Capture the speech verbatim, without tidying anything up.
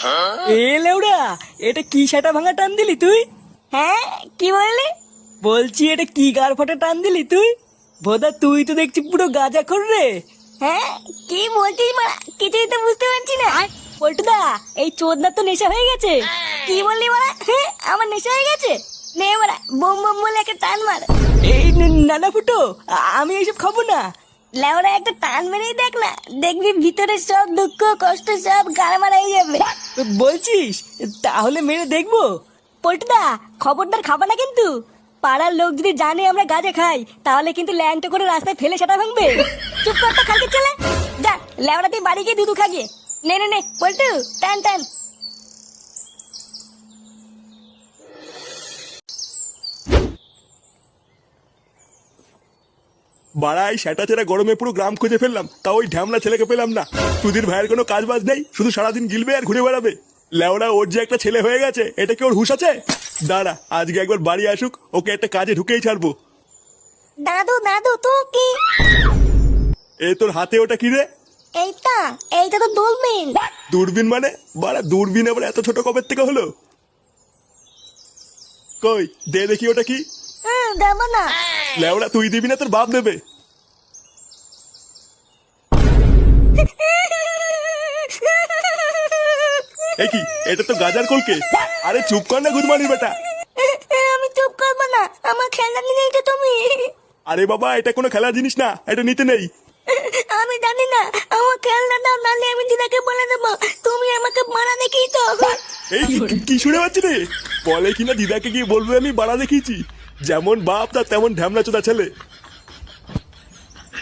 এ লেউড়া, এটা কি সেটা ভাঙা টান দিলি তুই? হ্যাঁ কি বললি? বলছি এটা কি গার ফটা টান দিলি তুই? ভোদা তুই তো দেখছি পুরো গাঁজা খোর রে। হ্যাঁ কি বলছিস মারা, কিছুই তো বুঝতে পারছি না। পল্টুদা, এই চোদনার তো নেশা হয়ে গেছে। কি বললি মারা? হ্যাঁ আমার নেশা হয়ে গেছে। নে মারা, বোম বোম বলে একটা টান মার। এই নানা ফুটো, আ- আমি এইসব খাবো না। লেওরা একটা টান মেরেই দেখ না, দেখবি ভিতরে সব দুঃখ কষ্ট সব গাড়া মারা হয়ে যাবে। বলছিস? তাহলে মেরে দেখবো। পল্টুদা, খবরদার খাবা না কিন্তু। পাড়ার লোক যদি জানে আমরা গাঁজা খাই, তাহলে কিন্তু ল্যাংটো করে রাস্তায় ফেলে সেটা ভাঙবে। চুপ কর তো খালকে চলে যা, লেওরা তুই বাড়ি গিয়ে দুধু খাগিয়ে। নে নে নে পল্টু, টান টান। বাড়াই সেটা ছেড়ে গরমে পুরো গ্রাম খুঁজে ফেললাম, তা ওই ঢ্যামলা ছেলেকে পেলাম না। তুদির ভাইয়ের কোনো কাজ বাজ নেই, শুধু সারাদিন গিলবে আর ঘুরে বেড়াবে। লেওড়া ওর যে একটা ছেলে হয়ে গেছে, এটা কি ওর হুঁশ আছে? দাঁড়া আজকে একবার বাড়ি আসুক, ওকে একটা কাজে ঢুকেই ছাড়বো। দাদু দাদু তো কি? এ তোর হাতে ওটা কি রে? এইটা এইটা তো দূরবীন। দূরবীন মানে? বাড়া দূরবীন আবার এত ছোট কবের থেকে হলো? কই দে দেখি ওটা কি। হুম দেবো না। লেওড়া তুই দিবি না তোর বাপ দেবে। এ কি, এটা তো গাজার কলকে। আরে চুপ কর না গুদমানি বেটা। আমি চুপ করবো না, আমার খেলনা নিয়ে তো তুমি। আরে বাবা এটা কোনো খেলার জিনিস না, এটা নিতে নেই। আমি জানি না, আমার খেলনা দাও, নালে আমি দিদাকে বলে দেবো তুমি আমাকে মারা দেখিয়ে তো। এই কি- কি শুনে পাচ্ছি রে? বলে কিনা দিদাকে গিয়ে বলবে আমি বাড়া দেখিয়েছি। যেমন বাপ তার তেমন ঢ্যামলা চোদা ছেলে।